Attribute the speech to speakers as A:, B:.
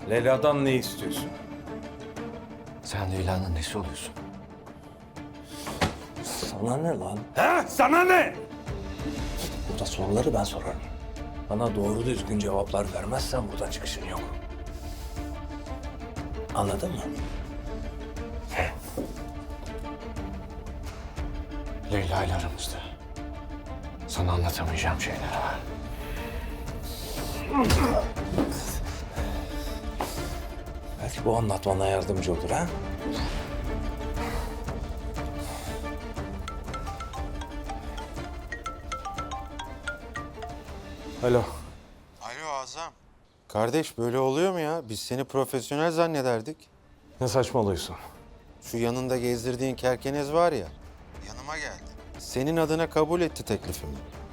A: Leyla'dan ne istiyorsun?
B: Sen Leyla'nın nesi oluyorsun?
A: Sana ne lan? He? Sana ne? Burada soruları ben sorarım. Bana doğru düzgün cevaplar vermezsen buradan çıkışın yok. Anladın mı?
B: Leyla ile aramızda sana anlatamayacağım şeyler var.
A: Belki bu anlatmana yardımcı olur ha? Alo.
C: Alo Azam. Kardeş böyle oluyor mu ya? Biz seni profesyonel zannederdik.
A: Ne saçmalıyorsun?
C: Şu yanında gezdirdiğin kerkenez var ya, yanıma geldi. Senin adına kabul etti teklifimi.